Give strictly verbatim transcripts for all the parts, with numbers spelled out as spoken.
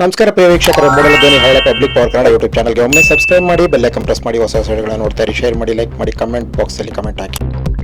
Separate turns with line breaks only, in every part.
ನಮಸ್ಕಾರ ಪ್ರಿಯ ವೀಕ್ಷಕರು, ಮೂಡಲ ಧ್ವನಿ ಹಳ್ಳ ಪಬ್ಲಿಕ್ ಪವರ್ ಕನ್ನಡ ಯೂಟ್ಯೂಬ್ ಚಾನಲ್ಗೆ ಒಮ್ಮೆ ಸಬ್ಸ್ಕ್ರೈಬ್ ಮಾಡಿ, ಬೆಲ್ ಐಕಾನ್ ಪ್ರೆಸ್ ಮಾಡಿ, ಹೊಸ ಹೊಸ ವಿಡಿಯೋಗಳನ್ನು ನೋಡ್ತಾ ಇರಿ. ಶೇರ್ ಮಾಡಿ, ಲೈಕ್ ಮಾಡಿ, ಕಮೆಂಟ್ ಬಾಕ್ಸಲ್ಲಿ ಕಮೆಂಟ್ ಹಾಕಿ.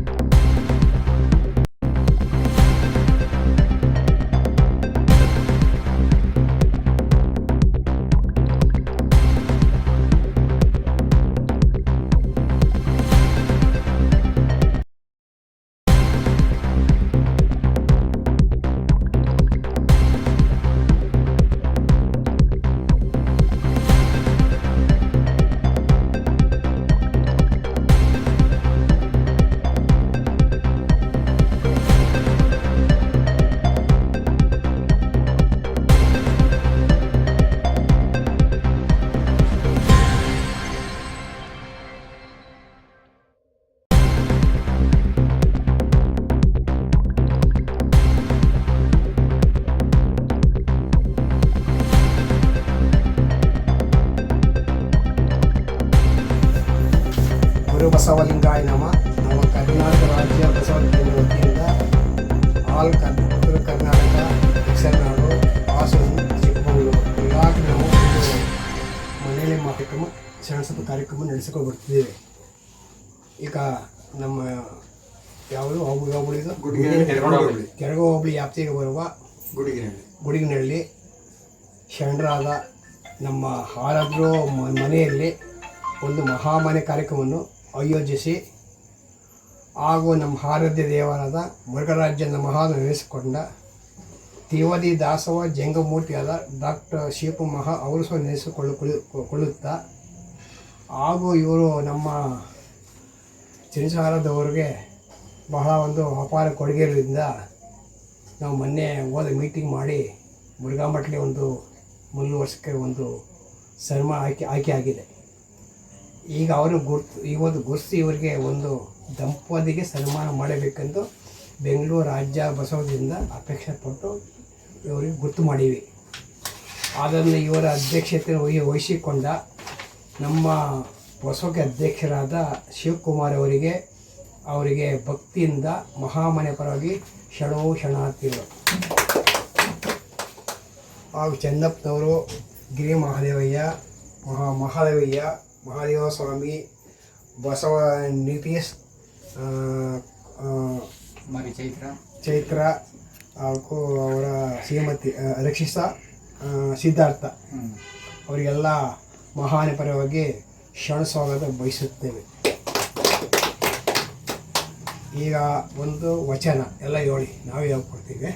ಗುರು ಬಸವಲಿಂಗಾಯ ನಮ. ನಮ್ಮ ಕರ್ನಾಟಕ ರಾಜ್ಯ ಬಸವ ಕೇಂದ್ರ ವತಿಯಿಂದ ಆಲ್ ಕರ್ ಉತ್ತರ ಕರ್ನಾಟಕ, ದಕ್ಷಿಣನಾಡು, ಹಾಸನ, ಚಿಕ್ಕಮಗಳೂರು ಇಲಾಖೆ ನಾವು ಒಂದು ಮನೆಯಲ್ಲಿ ಕಾರ್ಯಕ್ರಮ ಸಣ್ಣ ಕಾರ್ಯಕ್ರಮ ನಡೆಸಿಕೊಂಡು ಬರ್ತಿದ್ದೇವೆ. ಈಗ ನಮ್ಮ ಯಾವುದು ಹೋಬಳಿ ಹೋಬಳಿದು ಕೆರಗ ಹೋಬಳಿ ವ್ಯಾಪ್ತಿಗೆ ಬರುವ ಗುಡಿಗಿನಹಳ್ಳಿ ಗುಡಿಗಿನಹಳ್ಳಿ ಶರಣರಾದ ನಮ್ಮ ಆರಾಧ್ರು ಮನೆಯಲ್ಲಿ ಒಂದು ಮಹಾಮನೆ ಕಾರ್ಯಕ್ರಮವನ್ನು ಆಯೋಜಿಸಿ ಹಾಗೂ ನಮ್ಮ ಆರಾಧ್ಯ ದೇವರಾದ ಮುರುಘರಾಜನ ಮಹಾನ್ ನೆನೆಸಿಕೊಂಡ ತಿವದಿ ದಾಸವ ಜಂಗಮೂರ್ತಿಯಾದ ಡಾಕ್ಟರ್ ಶಿವಪ್ಪ ಮಹಾ ಅವರು ಸಹ ನೆನೆಸಿಕೊಳ್ಳುತ್ತಾ ಹಾಗೂ ಇವರು ನಮ್ಮ ಚಿನ್ಸಾರದವರಿಗೆ ಬಹಳ ಒಂದು ಅಪಾರ ಕೊಡುಗೆ ಇರೋದ್ರಿಂದ ನಾವು ಮೊನ್ನೆ ಹೋದ ಮೀಟಿಂಗ್ ಮಾಡಿ ಮುರುಘಾ ಮಠಲಿ ಒಂದು ಮೂರು ವರ್ಷಕ್ಕೆ ಒಂದು ಸನ್ಮಾನ ಆಯ್ಕೆ ಆಯ್ಕೆ ಆಗಿದೆ. ಈಗ ಅವರು ಗುರ್ತು ಇವತ್ತು ಗುರುತಿಸಿ ಇವರಿಗೆ ಒಂದು ದಂಪತಿಗೆ ಸನ್ಮಾನ ಮಾಡಬೇಕೆಂದು ಬೆಂಗಳೂರು ರಾಜ್ಯ ಬಸವದಿಂದ ಅಪೇಕ್ಷೆ ಪಟ್ಟು ಇವರಿಗೆ ಗುರ್ತು ಮಾಡೀವಿ. ಅದನ್ನು ಇವರ ಅಧ್ಯಕ್ಷತೆ ವಹಿಸಿಕೊಂಡ ನಮ್ಮ ಬಸವಕ್ಕೆ ಅಧ್ಯಕ್ಷರಾದ ಶಿವಕುಮಾರ್ ಅವರಿಗೆ ಅವರಿಗೆ ಭಕ್ತಿಯಿಂದ ಮಹಾಮನೆ ಪರವಾಗಿ ಶರಣೋ ಶರಣಾರ್ಥಿಗಳು ಹಾಗೂ ಚೆನ್ನಪ್ಪನವರು, ಗಿರಿ ಮಹಾದೇವಯ್ಯ, ಮಹಾ ಮಹಾದೇವಯ್ಯ ಮಹಾದೇವ ಸ್ವಾಮಿ, ಬಸವ ನಿತೀಶ್,
ಮರಿ ಚೈತ್ರ
ಚೈತ್ರ ಹಾಗೂ ಅವರ ಶ್ರೀಮತಿ ರಕ್ಷಿತಾ, ಸಿದ್ಧಾರ್ಥ ಅವರಿಗೆಲ್ಲ ಮಹಾನ ಪರವಾಗಿ ಶರಣ ಸ್ವಾಗತ ಬಯಸುತ್ತೇವೆ. ಈಗ ಒಂದು ವಚನ ಎಲ್ಲ ಹೇಳಿ ನಾವೇ ಹೇಳ್ಕೊಡ್ತೀವಿ.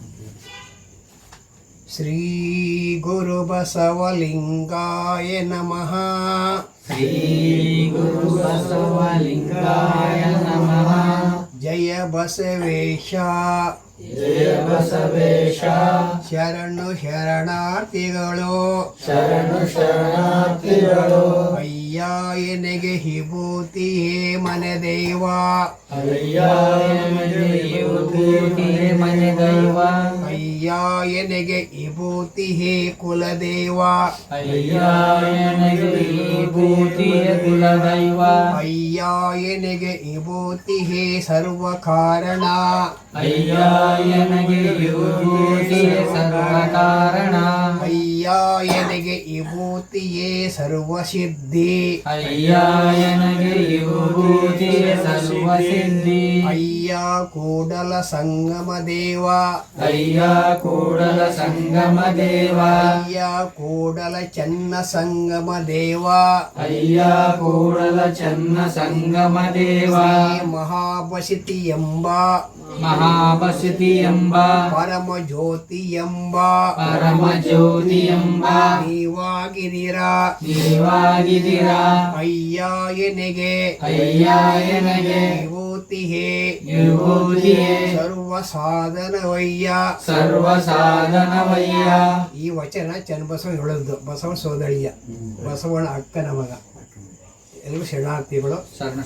ಶ್ರೀ ಗುರು ಬಸವಲಿಂಗಾಯ ನಮಃ.
ಶ್ರೀ ಗುರು ಬಸವಲಿಂಗಾಯ ನಮಃ.
ಜಯ ಬಸವೇಶ,
ಜಯ ಬಸವೇಶ.
ಶರಣು ಶರಣಾರ್ಥಿಗಳು,
ಶರಣು ಶರಣಾರ್ಥಿಗಳು.
ಅಯ್ಯ ಎನೆಗೆ ವಿಭೂತಿಯೇ ಮನೆ ದೈವ,
ಅಯ್ಯ ಎನೆಗೆ ವಿಭೂತಿಯೇ ಮನೆ ದೈವ.
ಅಯ್ಯ ಎನೆಗೆ ವಿಭೂತಿಯೇ ಕುಲದೇವ,
ಅಯ್ಯ ಎನೆಗೆ ವಿಭೂತಿಯೇ ಕುಲದೈವ.
ಅಯ್ಯ ಎನೆಗೆ ವಿಭೂತಿಯೇ ಸರ್ವ ಕಾರಣ,
ಅಯ್ಯ ಎನಗೆ ವಿಭೂತಿಯೇ ಸರ್ವ ಕಾರಣ.
ಅಯ್ಯ ಎನಗೆ ವಿಭೂತಿಯೇ ಸರ್ವ ಸಿದ್ಧಿ,
ಅಯ್ಯ ಎನಗೆ ವಿಭೂತಿಯೇ ಸರ್ವ ಸಿದ್ಧಿ.
ಅಯ್ಯ ಕೂಡಲ ಸಂಗಮ ದೇವ,
ಅಯ್ಯ ಕೂಡಲ ಸಂಗಮ ದೇವ.
ಅಯ್ಯ ಕೂಡಲ ಚೆನ್ನ ಸಂಗಮ ದೇವ,
ಅಯ್ಯ ಕೂಡಲ ಚೆನ್ನ ಸಂಗಮ ದೇವ.
ಮಹಾಬಸಿತಿ ಎಂಬ
ಮಹಾಬಸಿತಿ ಎಂಬ
ಪರಮ ಜ್ಯೋತಿ ಎಂಬ
ಪರಮ ಜ್ಯೋತಿ ಎಂಬ
ನೀವಾಗಿದಿರ
ನೀವಾಗಿದಿರ.
ಅಯ್ಯ ಎನೆಗೆ
ಅಯ್ಯ ಎನಗೆ
ವಿಭೂತಿಯೇ
ವಿಭೂತಿಯೇ
ಸರ್ವ ಸಾಧನವಯ್ಯ,
ಸರ್ವ ಸಾಧನವಯ್ಯ.
ಈ ವಚನ ಚನ್ನಬಸವ ಹೇಳೋದು ಬಸವ ಸೋದಳಿಯ ಬಸವನ ಅಕ್ಕನ ಮಗ. ಎಲ್ಲರೂ ಶರಣಾರ್ಥಿಗಳು.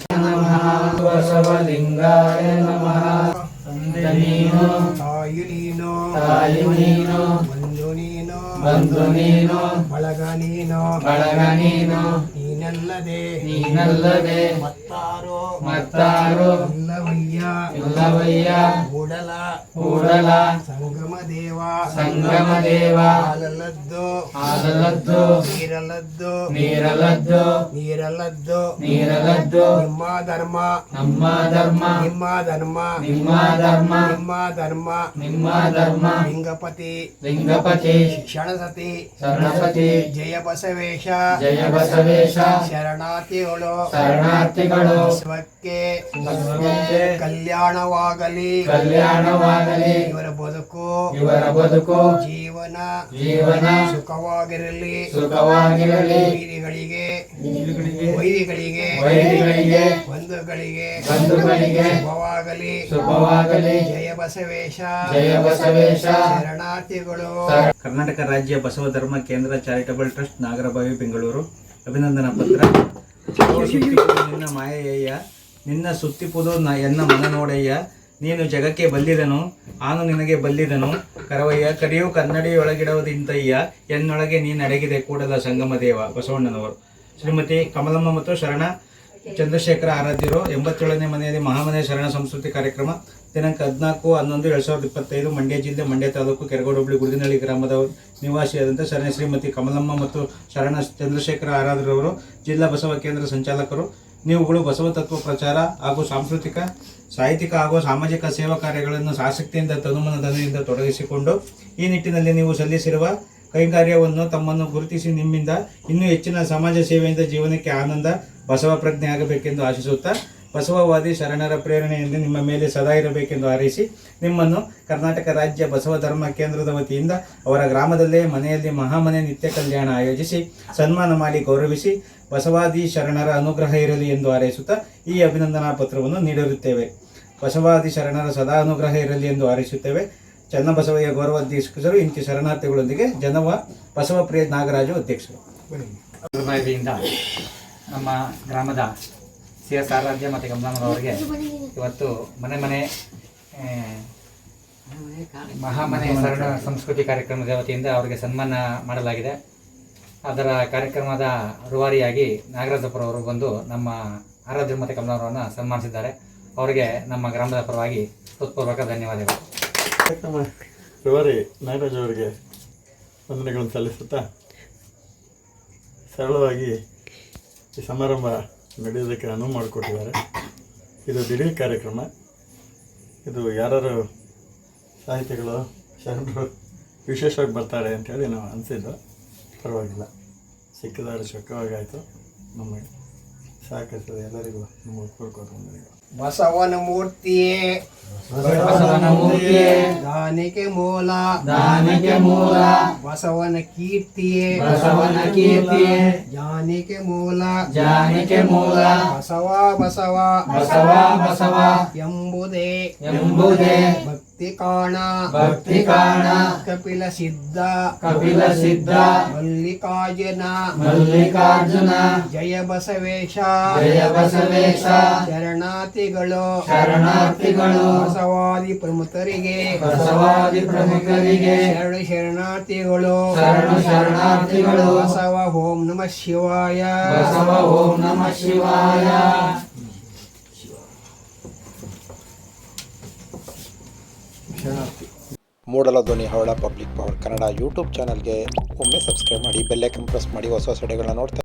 ಬಸವಲಿಂಗಾಯ ನಮಃ. ತಂದೆ ನೀನು,
ತಾಯಿ ನೀನು,
ತಾಯಿ ನೀನು,
ಬಂಧು ನೀನು,
ಬಂಧು ನೀನು,
ಬಳಗ ನೀನು,
ಬಳಗ ನೀನು.
ನೀನು ನೀನಲ್ಲದೆ
ನೀನಲ್ಲದೆ
ಮತ್ತಾರೋ
ಮತ್ತಾರು
ಇಲ್ಲವಯ್ಯ
ಇಲ್ಲವಯ್ಯ
ಕೂಡಲ
ಕೂಡಲ
ಸಂಗಮ ದೇವ
ಸಂಗಮ ದೇವ
ಹಾಲಲ್ಲದ್ದು
ಹಾಲಲ್ಲದ್ದು
ನೀರಲ್ಲದ್ದು
ನೀರಲ್ಲದ್ದು
ನೀರಲ್ಲದ್ದು
ನೀರಲ್ಲದ್ದು
ನಿಮ್ಮ ಧರ್ಮ
ನಮ್ಮ ಧರ್ಮ
ನಿಮ್ಮ ಧರ್ಮ
ನಿಮ್ಮ ಧರ್ಮ
ನಿಮ್ಮ ಧರ್ಮ
ನಿಮ್ಮ ಧರ್ಮ
ಲಿಂಗಪತಿ
ಲಿಂಗಪತಿ
ಕ್ಷಣಸತಿ
ಶರಣಪತಿ
ಜಯ ಬಸವೇಶ
ಜಯ ಬಸವೇಶ
ಶರಣಾರ್ಥಿಗಳು
ಶರಣಾರ್ಥಿಗಳು
ಸ್ವಕ್ಕೆ
ಬಸವಂತೆ
ಕಲ್ಯಾಣವಾಗಲಿ
ಕಲ್ಯಾಣವಾಗಲಿ
ಇವರ ಬದುಕು
ಇವರ ಬದುಕು
ಜೀವನ
ಜೀವನ
ಸುಖವಾಗಿರಲಿ
ಸುಖವಾಗಿರಲಿ
ವೈರಿಗಳಿಗೆ ವೈರಿಗಳಿಗೆ
ವೈರಿಗಳಿಗೆ
ಬಂಧುಗಳಿಗೆ
ಬಂಧುಗಳಿಗೆ
ಶುಭವಾಗಲಿ
ಶುಭವಾಗಲಿ
ಜಯ ಬಸವೇಶ
ಜಯ ಬಸವೇಶ
ಶರಣಾರ್ಥಿಗಳು
ಕರ್ನಾಟಕ ರಾಜ್ಯ ಬಸವ ಧರ್ಮ ಕೇಂದ್ರ ಚಾರಿಟಬಲ್ ಟ್ರಸ್ಟ್ ನಾಗರಬಾವಿ ಬೆಂಗಳೂರು ಅಭಿನಂದನಾ ಪತ್ರ ಚಲೋ ಸುತ್ತಿಪುದು ನಿನ್ನ ಮಾಯಯ್ಯ ನಿನ್ನ ಸುತ್ತಿಪುದು ನ ಎನ್ನ ಮನ ನೋಡಯ್ಯ ನೀನು ಜಗಕ್ಕೆ ಬಲ್ಲಿದನು ಆನು ನಿನಗೆ ಬಲ್ಲಿದನು ಕರವಯ್ಯ ಕರಿಯು ಕನ್ನಡಿಯೊಳಗಿಡುವುದಿಂತಯ್ಯ ಎನ್ನೊಳಗೆ ನೀನು ಅಡಗಿದೆ ಕೂಡಲ ಸಂಗಮ ದೇವ ಬಸವಣ್ಣನವರು. ಶ್ರೀಮತಿ ಕಮಲಮ್ಮ ಮತ್ತು ಶರಣ ಚಂದ್ರಶೇಖರ ಆರಾಧ್ಯರು ಎಂಬತ್ತೇಳನೇ ಮನೆಯಲ್ಲಿ ಮಹಾಮನೆ ಶರಣ ಸಂಸ್ಕೃತಿ ಕಾರ್ಯಕ್ರಮ ದಿನಾಂಕ ಹದಿನಾಲ್ಕು ಹನ್ನೊಂದು ಎರಡು ಸಾವಿರದ ಇಪ್ಪತ್ತೈದು ಮಂಡ್ಯ ಜಿಲ್ಲೆ ಮಂಡ್ಯ ತಾಲೂಕು ಕೆರಗೋಡು ಹೋಬಳಿ ಗುರುದಿನಹಳ್ಳಿ ಗ್ರಾಮದ ನಿವಾಸಿಯಾದಂಥ ಶರಣ ಶ್ರೀಮತಿ ಕಮಲಮ್ಮ ಮತ್ತು ಶರಣ ಚಂದ್ರಶೇಖರ ಆರಾಧ್ಯರವರು ಜಿಲ್ಲಾ ಬಸವ ಕೇಂದ್ರ ಸಂಚಾಲಕರು. ನೀವುಗಳು ಬಸವ ತತ್ವ ಪ್ರಚಾರ ಹಾಗೂ ಸಾಂಸ್ಕೃತಿಕ ಸಾಹಿತ್ಯಿಕ ಹಾಗೂ ಸಾಮಾಜಿಕ ಸೇವಾ ಕಾರ್ಯಗಳನ್ನು ಆಸಕ್ತಿಯಿಂದ ತನುಮನದಿಂದ ತೊಡಗಿಸಿಕೊಂಡು ಈ ನಿಟ್ಟಿನಲ್ಲಿ ನೀವು ಸಲ್ಲಿಸಿರುವ ಕೈಂಕರ್ಯವನ್ನು ತಮ್ಮನ್ನು ಗುರುತಿಸಿ ನಿಮ್ಮಿಂದ ಇನ್ನೂ ಹೆಚ್ಚಿನ ಸಮಾಜ ಸೇವೆಯಿಂದ ಜೀವನಕ್ಕೆ ಆನಂದ ಬಸವ ಪ್ರಜ್ಞೆ ಆಗಬೇಕೆಂದು ಆಶಿಸುತ್ತಾ ಬಸವವಾದಿ ಶರಣರ ಪ್ರೇರಣೆಯಿಂದ ನಿಮ್ಮ ಮೇಲೆ ಸದಾ ಇರಬೇಕೆಂದು ಹಾರೈಸಿ ನಿಮ್ಮನ್ನು ಕರ್ನಾಟಕ ರಾಜ್ಯ ಬಸವ ಧರ್ಮ ಕೇಂದ್ರದ ವತಿಯಿಂದ ಅವರ ಗ್ರಾಮದಲ್ಲೇ ಮನೆಯಲ್ಲಿ ಮಹಾಮನೆ ನಿತ್ಯ ಕಲ್ಯಾಣ ಆಯೋಜಿಸಿ ಸನ್ಮಾನ ಮಾಡಿ ಗೌರವಿಸಿ ಬಸವಾದಿ ಶರಣರ ಅನುಗ್ರಹ ಇರಲಿ ಎಂದು ಹಾರೈಸುತ್ತಾ ಈ ಅಭಿನಂದನಾ ಪತ್ರವನ್ನು ನೀಡಿರುತ್ತೇವೆ. ಬಸವಾದಿ ಶರಣರ ಸದಾ ಅನುಗ್ರಹ ಇರಲಿ ಎಂದು ಹಾರೈಸುತ್ತೇವೆ. ಚನ್ನಬಸವಯ್ಯ ಗೌರವಾಧ್ಯಕ್ಷರು ಇಂತಿ ಶರಣಾರ್ಥಿಗಳೊಂದಿಗೆ ಜನವ ಬಸವಪ್ರಿಯ ನಾಗರಾಜು ಅಧ್ಯಕ್ಷರು.
ದಿಂದ ನಮ್ಮ ಗ್ರಾಮದ ಸಿ ಎಸ್ ಆರಾಧ್ಯ ಮತ್ತು ಕಮಲಮ್ಮನವರಿಗೆ ಇವತ್ತು ಮನೆ ಮನೆ ಆ, ಮಹಾಮನೆ ಶರಣ ಸಂಸ್ಕೃತಿ ಕಾರ್ಯಕ್ರಮದ ವತಿಯಿಂದ ಅವರಿಗೆ ಸನ್ಮಾನ ಮಾಡಲಾಗಿದೆ. ಅದರ ಕಾರ್ಯಕ್ರಮದ ರೂವಾರಿಯಾಗಿ ನಾಗರಾಜಪುರ ಅವರು ಬಂದು ನಮ್ಮ ಆರಾಧ್ಯ ಮತ್ತು ಕಮಲಮ್ಮನವರನ್ನು ಸನ್ಮಾನಿಸಿದ್ದಾರೆ. ಅವರಿಗೆ ನಮ್ಮ ಗ್ರಾಮದ ಪರವಾಗಿ ಹೃತ್ಪೂರ್ವಕ ಧನ್ಯವಾದಗಳು.
ಕಾರ್ಯಕ್ರಮ ರೂವಾರಿ ನಾಗರಾಜ್ ಅವರಿಗೆ ವಂದನೆಗಳನ್ನು ಸಲ್ಲಿಸುತ್ತಾ ಸರಳವಾಗಿ ಈ ಸಮಾರಂಭ ನಡೆಯೋದಕ್ಕೆ ಅನುವು ಮಾಡಿಕೊಟ್ಟಿದ್ದಾರೆ. ಇದು ದಿಢೀರ್ ಕಾರ್ಯಕ್ರಮ. ಇದು ಯಾರು ಸಾಹಿತಿಗಳು ಶರಣರು ವಿಶೇಷವಾಗಿ ಬರ್ತಾರೆ ಅಂಥೇಳಿ ನಾವು ಅನಿಸಿದ್ದು. ಪರವಾಗಿಲ್ಲ, ಸಿಕ್ಕಿದಾರೆ ಸುಖವಾಗಿ ಆಯಿತು. ನಮಗೆ ಸಹಕರಿಸಿದ ಎಲ್ಲರಿಗೂ ನಮ್ಮ ಉತ್ಪೂರ್ವಕ ವಂದನೆಗಳು.
ಬಸವನ ಮೂರ್ತಿಯೇ
ಬಸವನ ಮೂರ್ತಿಯೇ
ದಾನಿಗೆ ಮೂಲ
ದಾನಕ್ಕೆ ಮೂಲ
ಬಸವನ ಕೀರ್ತಿಯೇ
ಬಸವನ ಕೀರ್ತಿಯೇ
ಜಾನಿಗೆ ಮೂಲ
ಜಾನಿಕೆ ಮೂಲ
ಬಸವ ಬಸವ
ಬಸವ ಬಸವ
ಎಂಬುದೇ
ಎಂಬುದೇ
ಭಕ್ತಿ ಕಾಣ
ಭಕ್ತಿ ಕಾಣ
ಕಪಿಲ ಸಿದ್ಧ
ಕಪಿಲ ಸಿದ್ಧ
ಮಲ್ಲಿಕಾರ್ಜುನ
ಮಲ್ಲಿಕಾರ್ಜುನ
ಜಯ ಬಸವೇಶ
ಜಯ ಬಸವೇಶ
ಶರಣಾರ್ಥಿಗಳು
ಶರಣಾರ್ಥಿಗಳು
ಬಸವಾದಿ ಪ್ರಮುಖರಿಗೆ
ಬಸವಾದಿ ಪ್ರಮುಖರಿಗೆ
ಶರಣ ಶರಣಾರ್ಥಿಗಳು
ಶರಣು ಶರಣಾರ್ಥಿಗಳು
ಬಸವ ಓಂ ನಮಃ ಶಿವಾಯ
ಬಸವ ಓಂ ನಮಃ ಶಿವಾಯ.
ಮೂಡಲ ಧ್ವನಿ ಹವಳ ಪಬ್ಲಿಕ್ ಪವರ್ ಕನ್ನಡ ಯೂಟ್ಯೂಬ್ ಚಾನಲ್ಗೆ ಒಮ್ಮೆ ಸಬ್ಸ್ಕ್ರೈಬ್ ಮಾಡಿ ಬೆಲ್ ಐಕನ್ ಪ್ರೆಸ್ ಮಾಡಿ ಹೊಸ ಹೊಸ ವಿಡಿಯೋಗಳನ್ನ ನೋಡ್ತಾ